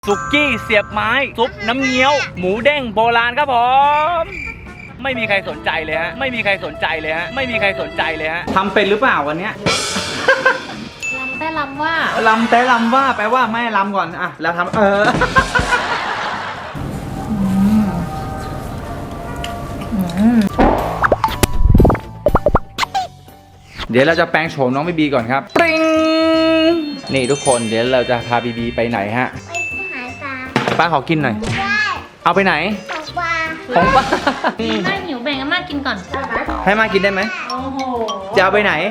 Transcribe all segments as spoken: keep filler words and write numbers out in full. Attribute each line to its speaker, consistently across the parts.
Speaker 1: สุกี้เสียบไม้ซุปน้ำเงี้ยวหมูเด้งโบราณครับผมไม่มีใครสนใจเลยฮะไม่มีใครสนใจเลยฮะไม่มีใครสนใจเลยฮะทำเป็นหรือเปล่าวันเนี้ย
Speaker 2: ลำแต่ลำว่า
Speaker 1: ลำแต่ลำว่าแปลว่าไม่ลำก่อนอ่ะแล้วทำเออเดี๋ยวเราจะแปลงโฉมน้องบีบีก่อนครับปริ้งนี่ทุกคนเดี๋ยวเราจะพาบีบีไปไหนฮะ
Speaker 2: ไปหาปลา
Speaker 1: ป้าขอกินหน่อยเอาไปไหน
Speaker 2: ของปลา
Speaker 1: ของป้า
Speaker 2: ไม่หิวแบ่งให้มากินก่อน
Speaker 1: ให้มากินได้ไหม
Speaker 2: โอ้โห
Speaker 1: จะเอาไปไหน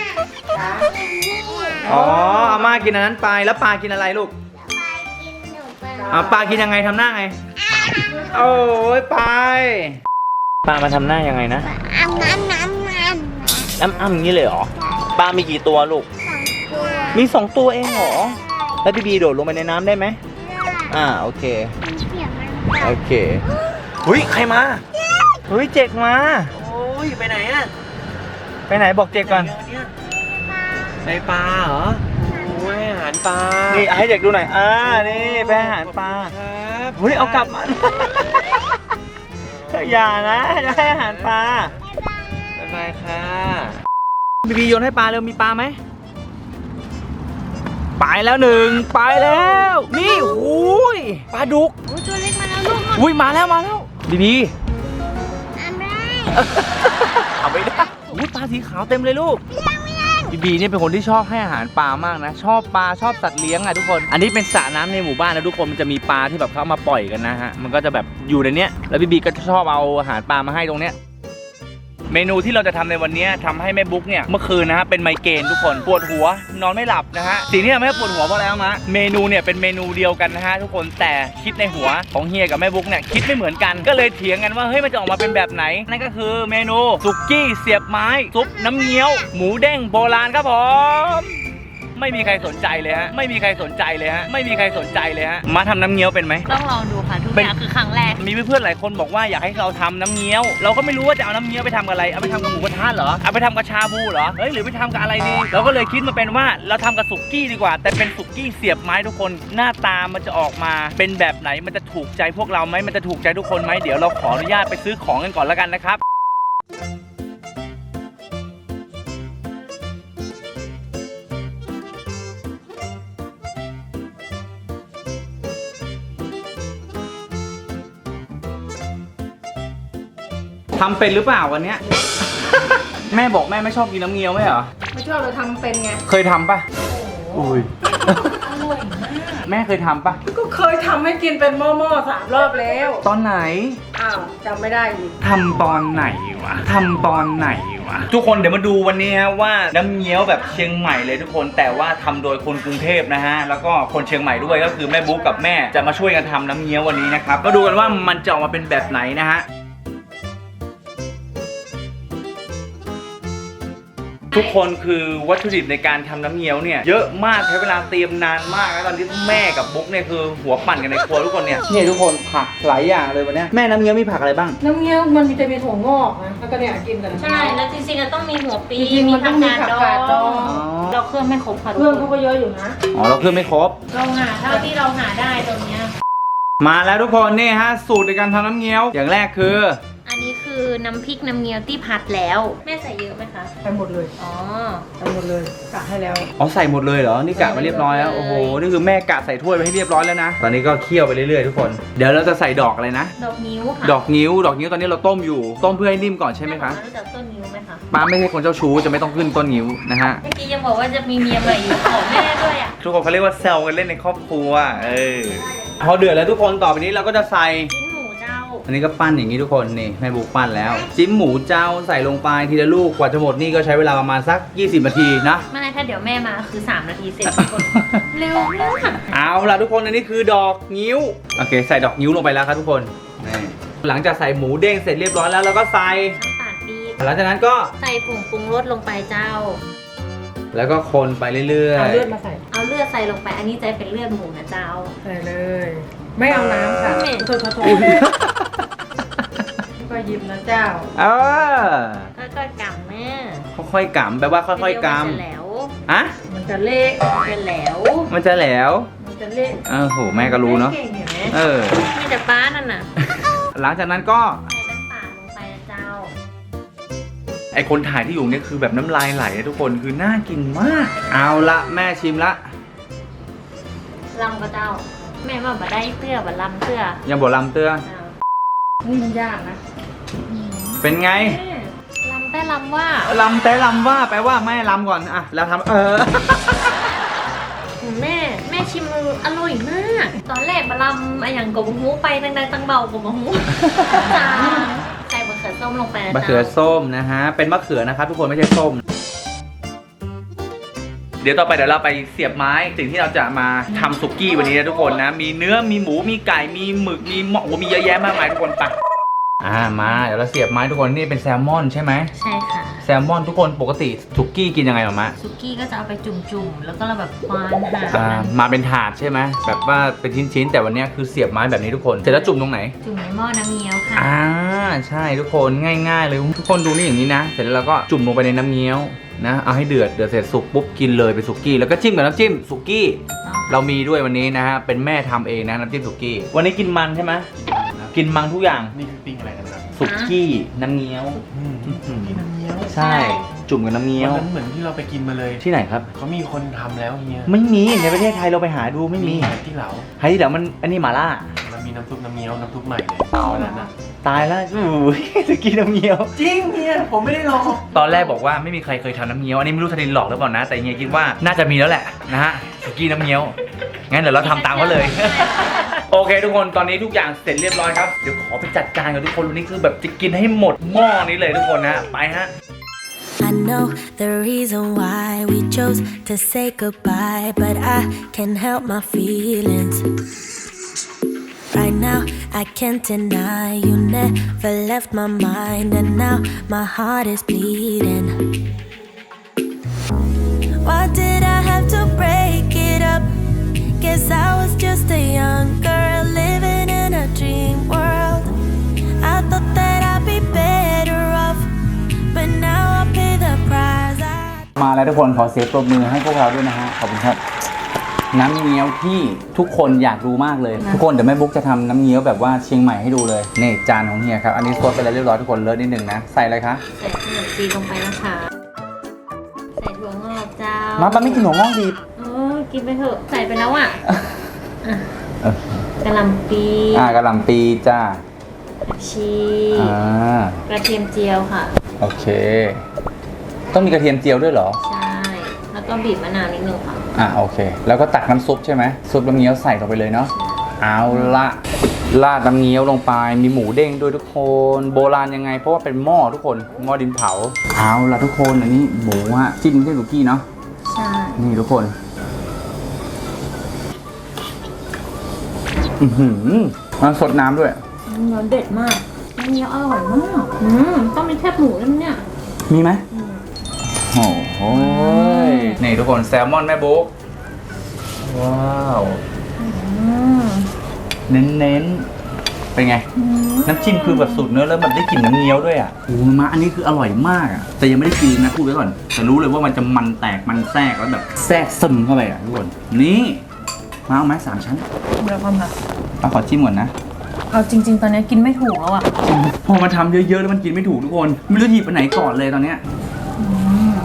Speaker 1: อ๋อเอามากินอันนั้นไปแล้วปลากินอะไรลูกเอาปลากินยังไงทำหน้าไงโอ้ยไปปลามาทำหน้ายังไงนะ
Speaker 2: อ้ำน้ำน้ำน้
Speaker 1: ำน้ำอ้ำอย่างนี้เลยเหรอปลามีกี่ตัวลูกมีสองตัวเองเหรอแล้วบีบีโดดลงไปในน้ำได้ไหมอ่าโอเคโอเคเฮ้ยใครมาเฮ้ยเจกมาโอ้ยไปไหนอะไปไหนบอกเจกก่อนไปปลาเหรอโอ้ยอาหารปลานี่ให้เด็กดูหน่อยอ่านี่ไปอาหารปลาครับเฮ้ยเอากลับมาอย่านะจะให้อาหารปลาบ๊ายบายค่ะบีบีโยนให้ปลาเร็วมีปลาไหมไปแล้วหนึ่งไปแล้วนี่โอ้ยปลาดุก
Speaker 2: โอ้ยตัวเล็กมาแล้วลูก
Speaker 1: อุ้ยมาแล้วมาแล้วบีบี
Speaker 2: อันแรก
Speaker 1: เอาไปได้อุ้ยปลาสีขาวเต็มเลยลูกบีบีนี่เป็นคนที่ชอบให้อาหารปลามากนะชอบปลาชอบสัตว์เลี้ยงอะทุกคนอันนี้เป็นสระน้ำในหมู่บ้านนะทุกคนมันจะมีปลาที่แบบเขามาปล่อยกันนะฮะมันก็จะแบบอยู่ในเนี้ยแล้วบีบีก็ชอบเอาอาหารปลามาให้ตรงเนี้ยเมนูที่เราจะทำในวันนี้ทำให้แม่บุ๊กเนี่ยเมื่อคืนนะฮะเป็นไมเกรนทุกคนปวดหัวนอนไม่หลับนะฮะสิ่งที่ทำให้ปวดหัวเพราะอะไรมะเมนูเนี่ยเป็นเมนูเดียวกันนะฮะทุกคนแต่คิดในหัวของเฮียกับแม่บุ๊กเนี่ยคิดไม่เหมือนกันก็เลยเถียงกันว่าเฮ้ยมันจะออกมาเป็นแบบไหนนั่นก็คือเมนูสุกี้เสียบไม้ซุปน้ำเงี้ยวหมูเด้งโบราณครับผมไม่มีใครสนใจเลยฮะไม่มีใครสนใจเลยฮะไม่มีใครสนใจเลยฮะมาทำน้ำเงี้ยวเป็นไหม
Speaker 2: ต้องลองดูค่ะทุกอย่างคือครั้งแรก
Speaker 1: มีเพื่อนๆหลายคนบอกว่าอยากให้เราทำน้ำเงี้ยวเราก็ไม่รู้ว่าจะเอาน้ำเงี้ยวไปทำกับอะไรเอาไปทำกับหมูกระทะเหรอเอาไปทำกับชาบูเหรอเฮ้ยหรือไปทำกับอะไรดีเราก็เลยคิดมาเป็นว่าเราทำกับสุกี้ดีกว่าแต่เป็นสุกี้เสียบไม้ทุกคนหน้าตามันจะออกมาเป็นแบบไหนมันจะถูกใจพวกเราไหมมันจะถูกใจทุกคนไหมเดี๋ยวเราขออนุญาตไปซื้อของกันก่อนแล้วกันนะครับทำเป็นหรือเปล่าวันเนี้ย แม่บอกแม่ไม่ชอบกินน้ำเงี้ยวไหมเหรอ
Speaker 3: ไม่ชอบเราทำเป็นไง
Speaker 1: เคยทำปะอุ้ย
Speaker 2: อร่อยมาก
Speaker 1: แม่เคยทำปะ
Speaker 3: ก็เคยทำให้กินเป็นหม้อๆสามรอบแล้ว
Speaker 1: ตอนไหน
Speaker 3: อ้าวจำไม่ได้อีก
Speaker 1: ทำตอนไหนวะทำตอนไหนวะทุกคนเดี๋ยวมาดูวันนี้ฮะว่าน้ำเงี้ยวแบบเชียงใหม่เลยทุกคนแต่ว่าทำโดยคนกรุงเทพนะฮะแล้วก็คนเชียงใหม่ด้วยก็คือแม่บุ๊กกับแม่จะมาช่วยกันทำน้ำเงี้ยววันนี้นะครับก็ดูกันว่ามันจะออกมาเป็นแบบไหนนะฮะทุกคนคือวัตถุดิบในการทำน้ำเงี้ยวเนี่ยเยอะมากใช้เวลาเตรียมนานมากแล้วตอนที่แม่กับบุ๊กเนี่ยคือหัวปั่นกันในครัวทุกคนเนี่ยนี่ทุกคนผักหลายอย่างเลยวันนี้แม่น้ำเงี้ยวมีผักอะไรบ้าง
Speaker 3: น้ำเงี้ยวมันมีจะมีถั่วงอกนะแล้วก็เนี่ยกินกัน
Speaker 2: ใช่แล้วจริงๆก็ต้องมีหัวปี
Speaker 3: มีผักกาดดอง
Speaker 2: เราเครื่องไม่ครบค่ะ
Speaker 3: เครื่องเขาก็เยอะอยู่นะ
Speaker 1: อ๋อเราเครื่องไม่ครบ
Speaker 2: เราหาเท่าที่เราหาได้ตรงเนี้ย
Speaker 1: มาแล้วทุกคนนี่ฮะสูตรในการทำน้ำเงี้ยวอย่างแรกคือ
Speaker 2: อันนี้คือน้ำพริกน้ำเงี้ยวที่ผัดแล้วแม่ใส่เยอะไหมคะ
Speaker 3: ใส่หมดเลย
Speaker 2: อ๋อ
Speaker 3: ใส่หมดเลยกะให้แล้ว
Speaker 1: อ๋อใส่หมดเลยเหรอนี่กะมาเรียบร้อยแล้วโอ้โหนี่คือแม่กะใส่ถ้วยไปให้เรียบร้อยแล้วนะตอนนี้ก็เคี่ยวไปเรื่อยๆทุกคนเดี๋ยวเราจะใส่ดอกอะไรนะ
Speaker 2: ดอกนิ้วค่ะ
Speaker 1: ดอกนิ้วดอกนิ้วตอนนี้เราต้มอยู่ต้มเพื่อให้นิ่มก่อนใช่ไหมคะ
Speaker 2: รู้จักต้นนิ้วไหมคะ
Speaker 1: ป้าไม่ใช่คนเจ้าชู้จะไม่ต้องขึ้นต้นนิ้วนะฮะ
Speaker 2: เมื่อกี้ยังบอกว่าจะมีเมียใหม่อยู่ขอแม่ด้วยอ่ะ
Speaker 1: ทุกคนเขาเรียกว่าแซวกันเล่นในครอบครัวเออพอเดือดแล้วทุกคนต่อไปนี้เราก็จะใส่อันนี้ก็ปั้นอย่างนี้ทุกคนนี่แม่บุ๊กปั้นแล้วจิ้มหมูเจ้าใส่ลงไปทีละลูกกว่าจะหมดนี่ก็ใช้เวลาประมาณสักยี่สิบนาทีนะ
Speaker 2: ไม่ถ้าเดี๋ยวแม่มาคือสามนาทีเสร็จทุกคนเร็วมาก
Speaker 1: เอาล่ะทุกคนอันนี้คือดอกงิ้วโอเคใส่ดอกงิ้วลงไปแล้วครับทุกคนนี่หลังจากใส่หมูเด้งเสร็จเรียบร้อยแล้วเราก็ใส่
Speaker 2: น้ำตาลปี๊บ
Speaker 1: หลังจากนั้นก็
Speaker 2: ใส่ผงปรุงรสลงไปเจ้า
Speaker 1: แล้วก็คนไปเรื่อยๆ
Speaker 3: เอาเลือดมาใส่
Speaker 2: เอาเลือดใส่ลงไปอันนี้จะเป็นเลือดหมูนะเจ้า
Speaker 3: ใส่เลยไม่เอาน้ำค่ะโทษโทษโทษก็ยิ้มนะเจ้า
Speaker 1: เออ
Speaker 2: ค่อยๆกำแม่
Speaker 1: ค่อยๆกำแปลว่าค่อยๆกำ
Speaker 2: มันจะแหลว
Speaker 1: อะ
Speaker 3: มันจะเละ
Speaker 2: มันจะแหลว
Speaker 1: มันจะแหลว
Speaker 3: จะเล่น
Speaker 1: เออโหแม่ก็รู้เนาะ
Speaker 3: เก่งเห็นไหม
Speaker 1: เออ
Speaker 2: มีแต่ป้านั่นน่ะ
Speaker 1: หลังจากนั้นก็
Speaker 2: ใส่น้ำปลาลงไปนะเจ้า
Speaker 1: ไอคนถ่ายที่อยู่เนี่ยคือแบบน้ำลายไหลนะทุกคนคือน่ากินมาก เอาละแม่ชิมละ
Speaker 2: ลำก็เจ้า แม่ว่าบ่ได้เตื้อบ่ลำเตื้อ
Speaker 1: ยังบอกลำเตื้อ
Speaker 2: เจ้า
Speaker 3: นี่มันยากนะ
Speaker 1: เป็นไง
Speaker 2: แม่ลำแต่ลำว่า
Speaker 1: ลำแต่ลำว่าแปลว่าแม่ลำก่อนอะแล้วทำเออ
Speaker 2: แม่แม่ชิมมืออร่อยมาก ตอนแรกบะลำอะอย่างกบหูไปดังๆตังเบากบหูจางใส่มะเขือส้มลงไปนะ
Speaker 1: มะ
Speaker 2: เจ้า
Speaker 1: เขือส้มนะฮะ เป็นมะเขือนะครับทุกคนไม่ใช่ส้ม เดี๋ยวต่อไปเดี๋ยวเราไปเสียบไม้สิ่งที่เราจะมาทำสุกี้วันนี้นะทุกคนนะ มีเนื้อมีหมูมีไก่มีหมึกมีหมอกมีเยอะแยะมากมายทุกคนไปอ่ามาเดี๋ยวเราเสียบไม้ทุกคนนี่เป็นแซลมอนใช่ไหม
Speaker 2: ใช่ค่ะ
Speaker 1: แซลมอนทุกคนปกติสุกี้กินยังไงหรอมะ
Speaker 2: ซุกี้ก็จะเอาไปจุ่มๆ แล้วก็เราแบบควานหา
Speaker 1: อ่ามาเป็นถาดใช่ไหมแบบว่าเป็นชิ้นๆแต่วันนี้คือเสียบไม้แบบนี้ทุกคนเสร็จแล้วจุ่มตรงไหน
Speaker 2: จุ่มในหม้อน้ำเงี้ยวค่ะ
Speaker 1: อ่าใช่ทุกคนง่ายๆเลยทุกคนดูนี่อย่างนี้นะ เสร็จแล้วเราก็จุ่มลงไปในน้ำเงี้ยวนะเอาให้เดือดเดือดเสร็จสุกปุ๊บกินเลยเป็นสุกี้แล้วก็จิ้มกับน้ำจิ้มสุกี้เรามีด้วยวันนี้นะฮะเป็นแม่ทำเองนะน้ำจิ้มสุกี้วันนี้กินมันใช่ไหมกินมังทุกอย่าง
Speaker 4: นี่คือปิ้งอะไรกันครับ
Speaker 1: สุกี้น้ำเงี้ยว
Speaker 4: อืมที่น้ำเงี้ยว
Speaker 1: ใช่จุ่มกับน้ำเงี้ยว
Speaker 4: วันนั้นเหมือนที่เราไปกินมาเลย
Speaker 1: ที่ไหนครับ
Speaker 4: เขามีคนทำแล้วเฮีย
Speaker 1: ไม่มีในประเทศไทยเราไปหาดูไม่มี
Speaker 4: ที่เหลา
Speaker 1: ไฮที่เดี๋ยวมันอันนี้หมาล่า
Speaker 4: มันมีน้ำซุปน้ำเงี้ยวน้ำซุปใหม่เลยวันนั้นนะ
Speaker 1: ตายแล้วอู้ยสุกี้น้ำเงี้ยว
Speaker 4: จริงเฮียผมไม่ได้ลอง
Speaker 1: ตอนแรกบอกว่าไม่มีใครเคยทำน้ำเงี้ยว อันนี้ไม่รู้ธนินหลอกหรือเปล่านะ แต่เฮียคิดว่าน่าจะมีแล้วแหละนะฮะสุกี้น้ำเงี้ยว งั้นเดี๋ยวเราทำตามเขาเลย โอเคทุกคนตอนนี้ทุกอย่างเสร็จเรียบร้อยครับ เดี๋ยวขอไปจัดการกับทุกคนวันนี้คือแบบจะกินให้หมดหม้อนี้เลยทุกคนนะ ไปฮะ
Speaker 5: I know the reason why we chose to say goodbye, but I can't help my feelings. Right now, I can't deny you never left my mind, and now my heart is bleeding. Why did I have to break it up? Guess I was just a young girl living in a dream world. I thought that I'd be better off, but now I pay the price. I
Speaker 1: มาแล้วทุกคนขอเสียงปรบมือให้พวกเราด้วยนะฮะขอบคุณครับน้ำเงี้ยวที่ทุกคนอยากดูมากเลย ทุกคนเดี๋ยวแม่บุ๊กจะทำน้ำเงี้ยวแบบว่าเชียงใหม่ให้ดูเลยนี่จานของเฮียครับอันนี้ซดไปแล้วเรียบร้อยทุกคนเลิศนิดนึงนะใส่อะไรคะ
Speaker 2: ใส่ขนมจีนลงไปนะคะ ใส่ถั่วงอกเจ้า
Speaker 1: มาป้าไม่กินหัวงอกดี
Speaker 2: โอ้กินไปเถอะ ใส่ไปแล้วอ่ะอ่ะ
Speaker 1: เออก
Speaker 2: ระหล่ำปี
Speaker 1: อ่ากระหล่ำปีจ้า
Speaker 2: ชี
Speaker 1: อ่าก
Speaker 2: ระเทียมเจียวค่ะ
Speaker 1: โอเค ต้องมีกระเทียมเจียวด้วยเหรอ
Speaker 2: ใช่ แล้วก็บีบมะนาวนิดนึงค่ะ
Speaker 1: อ่าโอเค แล้วก็ตักน้ำซุปใช่ไหมซุปน้ำเงี้ยวใส่ลงไปเลยเนาะเอาละราดน้ำเงี้ยวลงไปมีหมูเด้งด้วยทุกคนโบราณยังไง เพราะว่าเป็นหม้อทุกคนหม้อดินเผาเอาละทุกคนอันนี้หมูฮะจิ้มด้วยสุกี้เนาะ
Speaker 2: ใช่
Speaker 1: นี่ทุกคนอือหือมันสดน้ำด้วย
Speaker 2: เนื้อเด็ดมากน้ำเงี้ยวอร่อยมากอืมต้องมีแคบหมูด้วยนะเนี่ย
Speaker 1: มีไหม
Speaker 2: อืม
Speaker 1: โอ้โหนี่ทุกคนแซลมอนแม่บุ๊กว้าว
Speaker 2: อืม
Speaker 1: เน้นๆเป็นไง
Speaker 2: อืม
Speaker 1: น้ำจิ้มคือแบบสูตรเนื้อแล้วแบบได้กลิ่นน้ำเงี้ยวด้วยอ่ะโอ้โหมาอันนี้คืออร่อยมากอ่ะแต่ยังไม่ได้กินนะพูดไว้ก่อนแต่รู้เลยว่ามันจะมันแตกมันแทรกแล้วแบบแทรกซึมเข้าไปอ่ะทุกคนนี่มาเอาไหมสามชั้น
Speaker 3: เดี๋ยวก่อนค่ะ
Speaker 1: เอาขอจิ้มก่อนนะ
Speaker 3: เอาจริง ๆ ตอนนี้กินไม่ถูกแล้วอ่ะ
Speaker 1: พอมาทำเยอะๆแล้วมันกินไม่ถูกทุกคนไม่รู้จะหยิบไปไหนก่อนเลยตอนเนี้ย
Speaker 3: อืม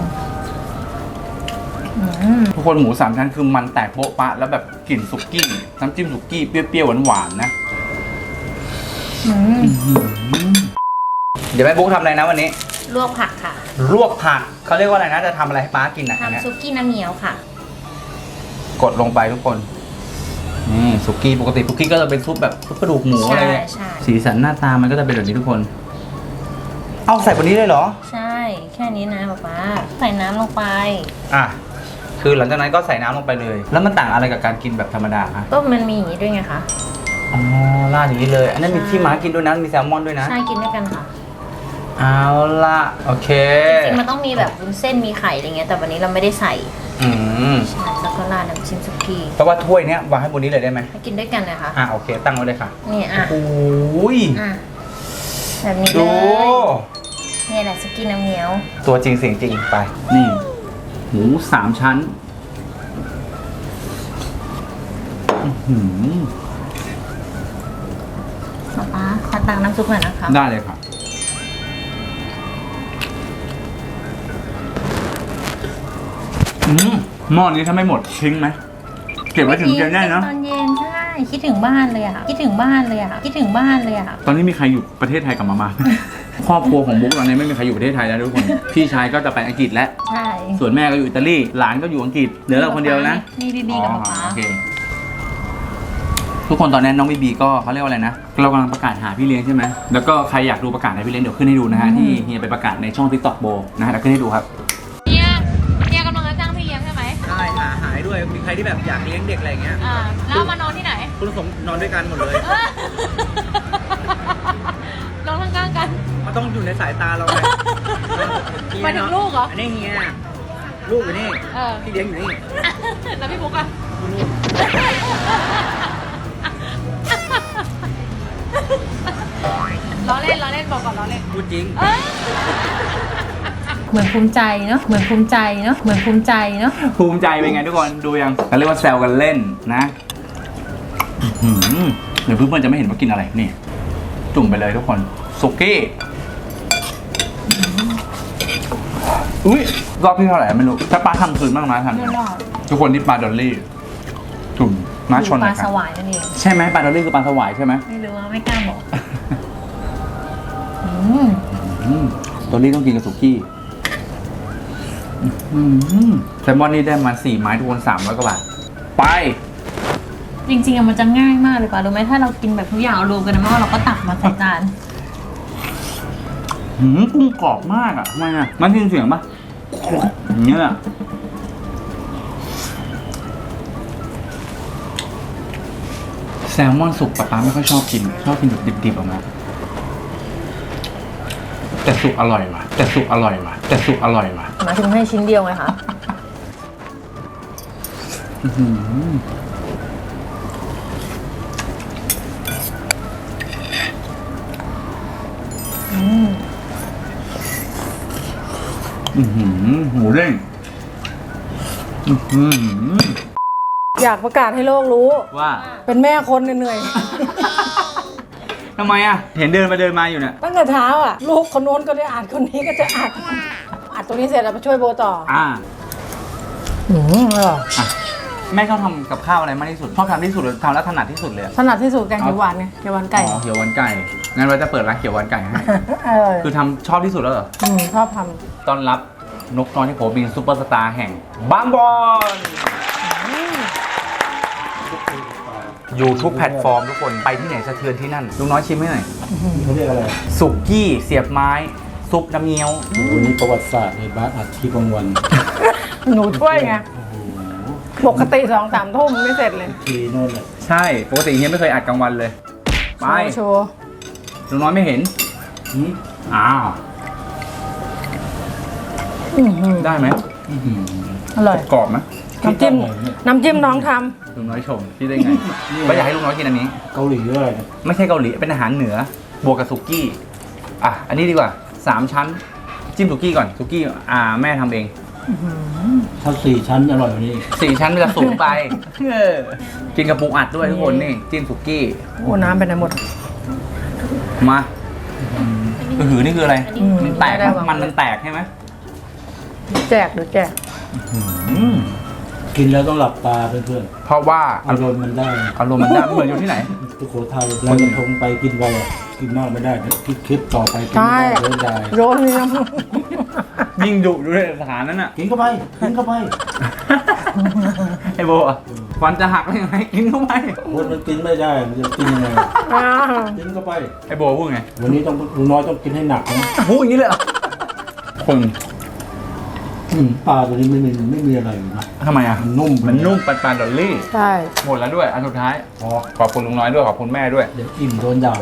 Speaker 3: อืม
Speaker 1: ทุกคนหมูสามชั้นคือมันแตกโบ๊ะปะแล้วแบบกลิ่นสุกี้น้ำจิ้มสุกี้เปรี้ยวๆหวานๆนะ
Speaker 3: อืม
Speaker 1: เดี๋ยวแม่บุ๊กทำอะไรนะวันนี้
Speaker 2: ลวกผักค่ะ
Speaker 1: ลวกผักเขาเรียกว่าอะไรนะจะทำอะไรให้ป้ากินนะอันเนี้ย
Speaker 2: ทำซุกี้น้ำเงี้ยวค่ะ
Speaker 1: กดลงไปทุกคนนี่สุกี้ปกติสุกี้ก็จะเป็นซุปแบบซุปกระดูกหมูอะไรเนี่ย
Speaker 2: ใช่ใช่
Speaker 1: สีสันหน้าตามันก็จะเป็นแบบนี้ทุกคน เอาใส่บนนี้เลยเหรอ
Speaker 2: ใช่ แค่นี้นะป๊าป๊าใส่น้ำลงไป
Speaker 1: อ่ะคือหลังจากนั้นก็ใส่น้ำลงไปเลย แล้วมันต่างอะไรกับการกินแบบธรรมดาคะ
Speaker 2: ก็มันมีอย่างนี้ด้วยไงคะ
Speaker 1: อ๋อราดอย่างนี้เลย อันนั้นมีที่ม้ากินด้วยนะมีแซลมอนด้วยนะ
Speaker 2: ใช่กินด้วยกันค่ะ
Speaker 1: เอาละโอเค
Speaker 2: จริงๆมันต้องมีแบบวุ้นเส้นมีไข่อะไรเงี้ยแต่วันนี้เราไม่ได้ใส่
Speaker 1: อืม
Speaker 2: ใช่แล้วก็ราดน้ำจิ้มซุกี้
Speaker 1: เพราะว่าถ้วยเนี้ยวางให้บนนี้เลยได้ไหม
Speaker 2: ให้กินด้วยกันเลยค่ะ
Speaker 1: อ่ะโอเค ตั้งไว้เลยค่ะ
Speaker 2: นี่อ่ะ
Speaker 1: โอ้ย
Speaker 2: อ่ะแบบนี้เล
Speaker 1: ดู
Speaker 2: ยนี่แหละซุกี้น้ำเงี้ยว
Speaker 1: ตัวจริงเสียงจริงไป นี่ หมูสามชั้นหืม
Speaker 3: ป๊าป๊าขอตังน้ำซุปหน่อยนะคะ
Speaker 1: ได้เลยครับอืมหม้อนี้ถ้าไม่หมดทิ้งไหมเก็บไว้ถึงเย็นได้เนอะ
Speaker 3: ตอนเย็นใช่คิดถึงบ้านเลยอ่ะคิดถึงบ้านเลยอ่ะคิดถึงบ้านเลยอ่ะ
Speaker 1: ตอนนี้มีใครอยู่ประเทศไทยกลับมามา ครอบครัวของบุ๊กตอนนี้ไม่มีใครอยู่ประเทศไทยแล้วทุกคน พี่ชายก็จะไปอังกฤษแล้ว
Speaker 3: ใช่
Speaker 1: ส่วนแม่ก็อยู่อิตาลี หลานก็อยู่อังกฤษ เหลือเราคนเดียวนะ
Speaker 3: นี่ดีๆกับป๊าป๊า
Speaker 1: อ๋อโอเคทุกคนตอนนี้น้องบีบีก็เขาเรียกว่าอะไรนะ เรากำลังประกาศหาพี่เลี้ยงใช่ไหม แล้วก็ใครอยากดูประกาศหาพี่เลี้ยงเดี๋ยวขึ้นให้ดูนะฮะ ที่เฮียไปประกาศในช่อง TikTok โบนะฮะเดี๋ยวขึ้นให้ดูครับ
Speaker 2: เฮียเฮียกำลังจะจ้างพี่เลี้ยงใช่ไหม
Speaker 1: ใช่หาหายด้วย มีใครที่แบบอยากเลี้ยงเด็กอะไรเงี้ย
Speaker 2: อ่าแล้วมานอนที่ไหน
Speaker 1: คุณสมนอนด้วยกันหมดเลย
Speaker 2: นอนข้างๆกัน
Speaker 1: มันต้องอยู่ในสายตาเราไง
Speaker 2: หมายถึงลูกเหรอ
Speaker 1: อันนี้เฮียลูกอยู่นี่
Speaker 2: เออ
Speaker 1: พี่เลี้ยงอยู่นี่
Speaker 2: แล้วพี่บุ๊กอะล้อเล่นล้อเล่นบอกก่อนล้อเล่น
Speaker 1: พูดจริง
Speaker 2: เอ้ย
Speaker 3: เหมือนภูมิใจเนาะเหมือนภูมิใจเนาะเหมือนภูมิใจเนาะ
Speaker 1: ภูมิใจเป็นไงทุกคนดูยังเขาเรียกว่าแซวกันเล่นนะอื้อหือเดี๋ยวเพื่อนๆจะไม่เห็นว่ากินอะไรนี่ จุ่มไปเลยทุกคนสุกี้อุ้ยรอบที่เท่าไหร่ไม่รู้ถ้าปลาทำคืนบ้างนะทัน
Speaker 3: ไม่รอด
Speaker 1: ทุกคนที่ปลาดอลลี่จุ่มน้าชน
Speaker 3: ป
Speaker 1: เล
Speaker 3: ลาย
Speaker 1: ค
Speaker 3: ส
Speaker 1: รับ
Speaker 3: วายนั่นเอง
Speaker 1: ใช่ไหมปลาดอลลี่คือปลาสวายใช่ไหม
Speaker 3: ไม่รู้ว่าไม่กล้าบอกอืม
Speaker 1: อืมดอลลี่ต้องกินกับสุกี้อืมแซลมอนนี่ได้มาสี่ไม้ทุกคนสามร้อยกว่าบาทไป
Speaker 3: จริงๆอะมันจะง่ายมากเลยป่ะรู้ไหมถ้าเรากินแบบทุกอย่างเอารวมกันในหม้อเราก็ตักมาใส่จาน
Speaker 1: หืมกุ้งกรอบมากอ่ะทำไมอ่ะมันได้ยินเสียงปะอย่างเงี้ยอะแซลมอนสุกป๊าป๊าไม่ค่อยชอบกิน ชอบกินแบบดิบๆออกมาแต่สุกอร่อยว่ะ แต่สุกอร่อยว่ะ แต่สุกอร่อยว่ะ
Speaker 3: หมายถึงให้ชิ้นเดียวไงคะ
Speaker 1: อื้อหืออื้อหือหมูเด้งอื้อหือ
Speaker 6: อยากประกาศให้โลกรู้
Speaker 1: ว่า
Speaker 6: เป็นแม่คนเหนื่อย
Speaker 1: ทำไมอ่ะ เห็นเดินมาเดินมาอยู่เนี่ย
Speaker 6: ๆ ตั้งแต่เช้าอ่ะ ลูกคนโน้นก็ได้อ่านคนนี้ก็จะอ่านอัดตรงนี้เสร็จแล้วไปช่วยโบต่อ
Speaker 1: อ่า
Speaker 6: อืมอร่อย
Speaker 1: อ่ะแม่ชอบทำกับข้าวอะไรมากที่สุด ชอบทำที่สุดหรือทำแล้วถนัดที่สุดเลยอะ
Speaker 6: ถนัดที่สุดแกงเขียวหวานไงเขียวหวานไก่
Speaker 1: อ๋อเขียวหวานไก่ งั้นเราจะเปิดร้านเขียวหวานไก่ให้
Speaker 6: อร่อย
Speaker 1: คือทำชอบที่สุดแล้วเหรอ
Speaker 6: อืมชอบท
Speaker 1: ต้อนรับนกน้อยที่ผมบินซูเปอร์สตาร์แห่งบางบอนอยู่ทุกแพลตฟอร์มทุกคน ไปที่ไหนสะเทือนที่นั่น ลุงน้อยชิมให้หน่อย
Speaker 7: เขาเรียกอะไร
Speaker 1: สุกี้เสียบไม้ ซุปน้ำเงี้ยว
Speaker 7: วันนี้ประวัติศาสตร์ในบ้านอัดที่กลางวัน
Speaker 6: ำหนูช่วยไงปกติสองสามทุ่มไม่เสร็จเลย
Speaker 7: ทีโน่นแหละ
Speaker 1: ใช่ ปกติเฮียไม่เคยอัดกลางวันเลย ไป
Speaker 6: โชว์
Speaker 1: ลุงน้อยไม่เห็น
Speaker 7: หืม
Speaker 1: อ้าว
Speaker 6: อื้อหือ
Speaker 1: ได้ไหม
Speaker 7: อื้อหือ
Speaker 6: อร่อย
Speaker 1: กรอบไหม
Speaker 6: น้ำจิ้ม
Speaker 7: อร่อยเนี่ย
Speaker 6: น้ำจิ้มน้องท
Speaker 1: ลุงน้อยชมที่ได้ไง ก็อยากให้ลุงน้อยกินอันนี้
Speaker 7: เกาหลีอะไรเนี่ย
Speaker 1: ไม่ใช่เกาหลี เป็นอาหารเหนือ บวกกับสุกี้ อ่ะ อันนี้ดีกว่าสามชั้น จิ้มสุกี้ก่อน สุกี้ อ่า แม่ทำเอง
Speaker 7: ถ้าสี่ชั้นอร่อยกว่านี้
Speaker 1: สี่ชั้นมันจะสูงไปเออกินกับปูอัดด้วยทุกคนนี่ จิ้มสุกี้
Speaker 6: ำโอ้น้ำไปไหนหมด
Speaker 1: มาอือหือนี่คืออะไร
Speaker 6: อืม
Speaker 1: มันแตก
Speaker 6: ได้
Speaker 1: ปะ
Speaker 6: วาง
Speaker 1: มันมันแตกใช่ไหม
Speaker 6: แจกหรือแจก
Speaker 1: อืม
Speaker 7: กินแล้วต้องหลับตาเพื่อน
Speaker 1: เพราะว่า
Speaker 7: ๆอารมณ์มันได้
Speaker 1: อารมณ์มันได้เหมือนอยู่ที่ไหน
Speaker 7: สุโขทัยแล้วกระทงไปกินไปอ่ะกินมากไม่ได้เดี๋ยวคิดคลิปต่อไปกิน
Speaker 6: ใช่
Speaker 7: ไม่ได้เดินได้
Speaker 6: โยนนี่น้
Speaker 1: ยิ่งดุดูในสถานนั้นอ่ะ
Speaker 7: กินเข้าไปกินเข้าไป
Speaker 1: ไอโบอ่ะฟันจะหักได้ยังไงกินเข้าไป
Speaker 7: คนมันกินไม่ได้มันจะกินยังไง
Speaker 6: ำอ้าว
Speaker 7: กินเข้าไป
Speaker 1: ไอโบพูดไง
Speaker 7: วันนี้ต้องลุงน้อยต้องกินให้หนักนะ
Speaker 1: พูดอย่างนี้เลยเหรอคน
Speaker 7: อืมปลาตัวนี้ไม่มีไม่มีอะไรเลยนะ
Speaker 1: ทำไมอ่ะ
Speaker 7: มันนุ่ม
Speaker 1: มันนุ่มปันปันดอลลี่
Speaker 6: ใช่
Speaker 1: หมดแล้วด้วย อันสุดท้าย
Speaker 7: พอ
Speaker 1: ขอบคุณลุงน้อยด้วย ขอบคุณแม่ด้วย
Speaker 7: เดี๋ยวอิ่มโดนด่า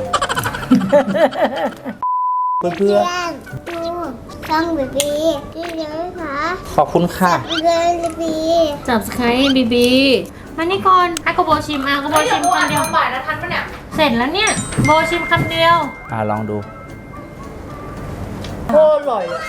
Speaker 7: เพื่อน
Speaker 8: เพื่อนดูช่องบีบีที่เลี้ยงคะ
Speaker 1: ขอบคุณค่ะ
Speaker 8: เลี้ยงบีบี
Speaker 2: จับสไครต์บีบีมานี่ก่อนให้กโบชิมอ่ะกโบชิมคำเดียวบ่ายนะทันปะเนี่ย เสร็จแล้วเนี่ย โบชิมคำเดียว
Speaker 1: อ่าลองดู
Speaker 6: โคตรอร่อยอะ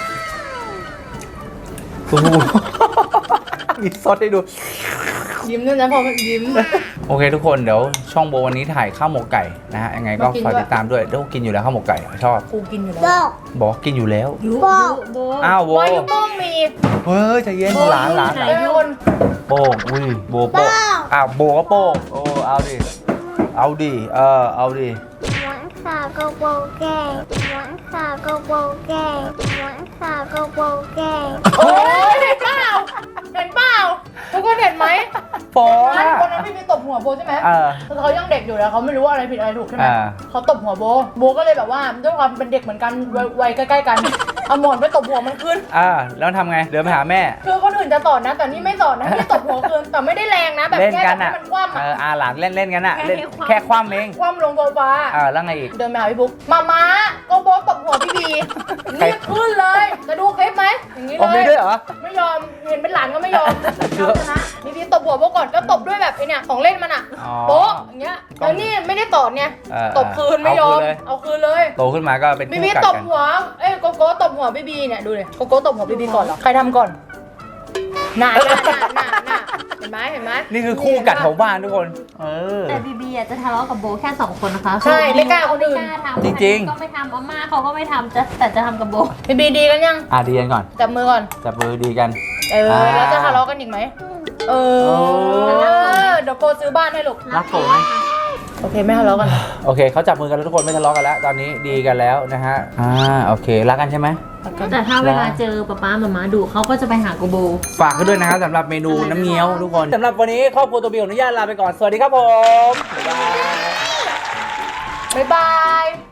Speaker 1: โอ้โหมีซอสให้ดู
Speaker 6: ยิ้มด้วยนะพอมันยิ้ม
Speaker 1: โอเคทุกคนเดี๋ยวช่องโบวันนี้ถ่ายข้าวหมกไก่นะฮะยังไงก็ฝากติดตามด้วยเดี๋ยวกินอยู่แล้วข้าวหมกไก่ชอบ
Speaker 6: กูกินอยู่แล้ว
Speaker 8: บอก
Speaker 1: บอกกินอยู่แล้ว
Speaker 8: บอก
Speaker 2: โบ
Speaker 1: อ้าวโบ
Speaker 6: ว่าอยู่ต้องมี
Speaker 1: เฮ้ยใจเย็นหลานหลานหลาน
Speaker 6: เอ้ยคน
Speaker 1: โป้งอุ้ยโบโป้งอ้าวโบก็โป้งโอ้เอาดิเอาดิเออเอาดิ
Speaker 8: หวานขาวก็โบแกงหวานขาวก็โบแกงหวานขาวก็โบแกง
Speaker 6: โอ้ยเห็นเปล่าเห็นเปล่าทุกคนเห็นไหม
Speaker 1: โป้ง
Speaker 6: นั้น
Speaker 1: อะ
Speaker 6: คนนั้นพี่ไปตบหัวโบใช่ไหม
Speaker 1: เออ
Speaker 6: คือเขายังเด็กอยู่แล้วเขาไม่รู้ว่าอะไรผิดอะไรถูกใช่ไหม
Speaker 1: อ่า
Speaker 6: เขาตบหัวโบโบก็เลยแบบว่าด้วยความเป็นเด็กเหมือนกันวัยวัยใกล้ๆกันเอาหมอนไปตบหัวมันขึ้น
Speaker 1: อ่าแล้วทำไงเดินไปหาแม่
Speaker 6: คือคนอื่นจะสอนนะ แต่นี่ไม่สอนนะที่ตบหัวคืนแต่ไม่ได้แรงนะ แบบ
Speaker 1: เล่น
Speaker 6: แค่
Speaker 1: กั
Speaker 6: แบ
Speaker 1: น
Speaker 6: บให้
Speaker 1: อ่ะ
Speaker 6: มันคว่ำ
Speaker 1: เอ
Speaker 6: อ่ะ
Speaker 1: ออาหลานเล่นเล่นกันอ่ะเล่นแค่คว่ำเอง
Speaker 6: คว่ำลงโซฟา
Speaker 1: อ่าแล้วไงอีก
Speaker 6: เดินไปหาพี่บุ๊กมาม้าก็โบตบหัวพี่บี
Speaker 1: ใคร
Speaker 6: รีบขึ้นเลยจะดูคลิปไหมอย่างนี้
Speaker 1: ผม
Speaker 6: เล
Speaker 1: มี
Speaker 6: ย
Speaker 1: ด้วยเหรอ
Speaker 6: ไม่ยอมเห็นเป็นหลานก็ไม่ยอม
Speaker 1: คือ
Speaker 6: เอาชนะนี่พี่ตบหัวโบก่อนก็ตบด้วยแบบไอเนี่ยของเล่นมันอ่ะ
Speaker 1: อ๋อ
Speaker 6: โป๊ะอย่างเงี้ยแล้วนี่ไม่ได้ตอดเนี่ย
Speaker 1: เออ
Speaker 6: ตบคืนไม่ยอม
Speaker 1: เอาคืนเลย
Speaker 6: เอาคืนเลย
Speaker 1: โตขึ้นมาก็เป็น
Speaker 6: บี
Speaker 1: คู่
Speaker 6: บี
Speaker 1: กัด
Speaker 6: ตบ
Speaker 1: กัน
Speaker 6: หัวเอ้ยโกโก้ตบหัวบีบีเนี่ยดูเลยโกโก้ตบหัวบีบีก่อนเหรอใครทำก่อนหน่าหน่าหน่าหน่าหน่าเห็นไหมเห็นไหม
Speaker 1: นี่คือคู่กัดของบ้านทุกคน เออ
Speaker 2: แต่บีบีอ่ะจะทะเลาะกับโบแค่สองคนนะคะ
Speaker 6: ใช่ไม่กล้าคนอื่น
Speaker 2: ไม่กล้าทำ
Speaker 1: จริงๆ
Speaker 2: ก็ไม่ทำอาม่าเขาก็ไม่ทำจะแต่จะทำกับโบ
Speaker 6: บีบีดีกันยัง
Speaker 1: อ่ะดีกันก่อน
Speaker 6: จับมือก่อน
Speaker 1: จับมือดีกัน
Speaker 6: เออ
Speaker 1: อ่า
Speaker 6: แล้วจะทะเลาะกันอีกไหมเออ
Speaker 1: โอ้
Speaker 6: เดี๋ยวโกซื้อบ้านให้ลูก
Speaker 1: รักผมไหม
Speaker 6: โอเคไม่ทะเลาะกัน
Speaker 1: โอเคเขาจับมือกันแล้วทุกคนไม่ทะเลาะกันแล้ว ตอนนี้ดีกันแล้วนะฮะ อ่าโอเครักกันใช่ไหม
Speaker 2: แต่ถ้าเวลาเจอป๊าป๊าหมาม้าดุเขาก็จะไปหาโกโบ
Speaker 1: ฝากกันด้วยนะครับสำหรับเมนูน้ำเงี้ยวทุกคนสำหรับวันนี้ครอบครัวตัวบิวอนุญาตลาไปก่อน สวัสดีครับผม บ๊ายบาย
Speaker 6: บ๊ายบาย